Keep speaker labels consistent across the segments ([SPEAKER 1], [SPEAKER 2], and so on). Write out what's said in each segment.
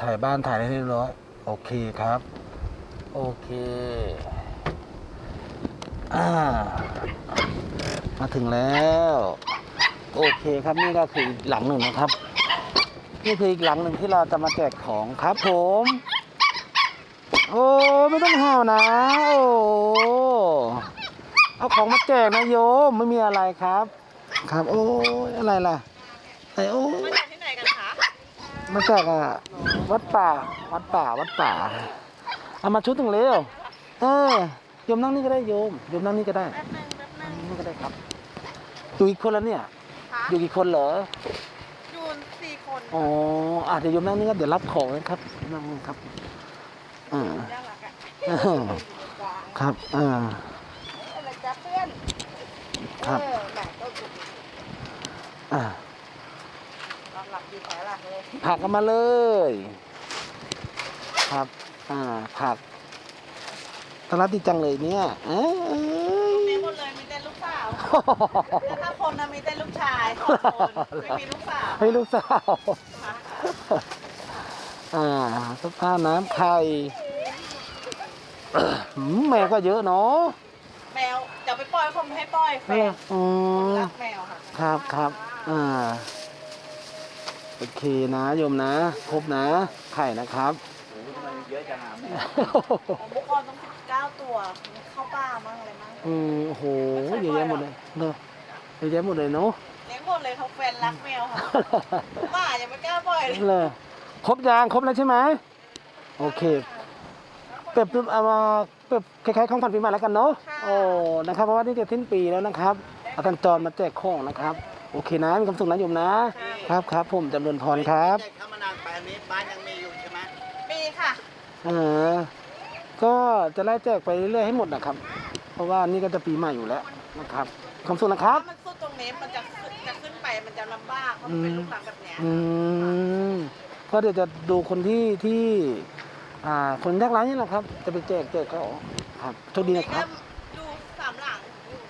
[SPEAKER 1] ถ่ายบ้านถ่ายได้เรียบร้อยโอเคครับโอเคมาถึงแล้วโอเคครับนี่ก็คืออีกหลังหนึ่งนะครับนี่คืออีกหลังหนึ่งที่เราจะมาแจกของครับผมโอ้ไม่ต้องห่าวนะโอ้เอาของมาแจกนะโยมไม่มีอะไรครับครับโอ้อะไรล่ะไอโอ้
[SPEAKER 2] มาจากที่ไหนกันคะ
[SPEAKER 1] มาจากวัดป่าเอามาชุดหนึ่งเร็วโยมนั่งนี่ก็ได้โยมนั่งนี่ก็ได้
[SPEAKER 2] แป๊บนึง
[SPEAKER 1] นี่ก็ได้ครับอยู่อีกคนแล้วเนี่ยอยู่กี่คนเหรอ
[SPEAKER 2] อยู่4 คน
[SPEAKER 1] อ๋อเดี๋ยวโยมนั่งนี่ก็เดี๋ยวรับของนะครับนั่งครับ
[SPEAKER 2] น่ารักอ่ะ
[SPEAKER 1] ครับ
[SPEAKER 2] อะไรจ๊ะเพื่อน
[SPEAKER 1] ครับ
[SPEAKER 2] แหม่ต้นสุกหลับดีแผลหลักเลย
[SPEAKER 1] ผักกันมาเลยครับผักตลาดดีจังเลยเนี่ย
[SPEAKER 2] มีหมดเลยมีแต่ลูกสาวแต่ถ้าคนนะมีแต่ลูกชาย2 คนไม่มีลูกสาว
[SPEAKER 1] ให้ลูกสาวสภาพน้ำไข่แมวก็เยอะเนาะ
[SPEAKER 2] แมวจะไปปล่อยผมให้ปล่อยแฟนรักแมวค่ะ
[SPEAKER 1] ครับโอเคนะโยมนะครบนะไข่นะครับ
[SPEAKER 2] เยอะจังอ่ะบุกรต้อง19 ตัวเข้าป่ามั่งอะไรมั่ง
[SPEAKER 1] โอ้โหเยอะแยะหมดเลยเนอะเยอะแยะหมดเลยเนาะ
[SPEAKER 2] เลี้ยงหมดเลยเขาแฟนรักแมวค่ะป่ายังไม่กล้าปล่อย
[SPEAKER 1] เลยครบแล้วใช่ไหมโอเคเปรียบเอามาเปรียบคล้ายๆของขวัญปีใหม่แล้วกันเนาะโอ้นะครับเพราะว่านี่จะสิ้นปีแล้วนะครับอาจารย์จรมาแจกของนะครับโอเคนะมีความสุขนะโยมนะครับผมจำเริญพรครับ
[SPEAKER 3] แจกเข้ามานานไปอันนี้บ้านยังมีอยู่ใช่ไหม
[SPEAKER 2] มีค่ะ
[SPEAKER 1] ก็จะไล่แจกไปเรื่อยๆให้หมดนะครับเพราะว่านี่ก็จะปีใหม่อยู่แล้วนะครับความสุขนะครับ
[SPEAKER 2] มันสุดตรงนี้มันจะขึ้นไปมันจะลำบากเพราะมันเป็นลูกหลังแบบเนี้ย
[SPEAKER 1] ก็เดี๋ยวจะดูคนที่คนยากไร้นี่แหละครับจะไปแจกเขาครับโชคดีนะครับ
[SPEAKER 2] ดู3 หลัง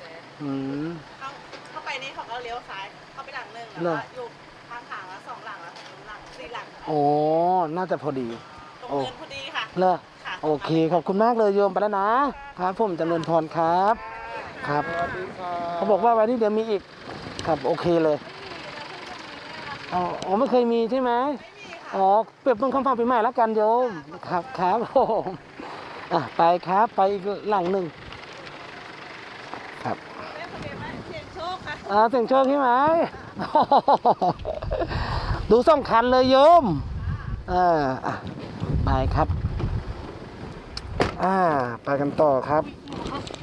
[SPEAKER 2] เข้าไปนี่เขาก็เลี้ยวซ้ายเข้าไปหลังนึงแล้วก็อยู่ข้างทางแล้ว2 หลังแล้ว4 หลัง
[SPEAKER 1] โอ้น่าจะพอดี
[SPEAKER 2] ตรงเนินพอดีค่ะ
[SPEAKER 1] เลอโอเคขอบคุณมากเลยโยมไปแล้วนะครับผมจำเริญพรครับครับเขาบอกว่าวันนี้เดี๋ยวมีอีกครับโอเคเลยอ๋อไม่เคยมีใช่ไหมอ๋อเปรียบเป็นคำฟังปีใหม่แล้วกันโยมครับผมไปครับไปอีกหลังหนึ่งครับ
[SPEAKER 2] เสียงโชคค่ะ
[SPEAKER 1] เสียงโชคใช่ไหมดู2 คันเลยโยมไปครับไปกันต่อครับ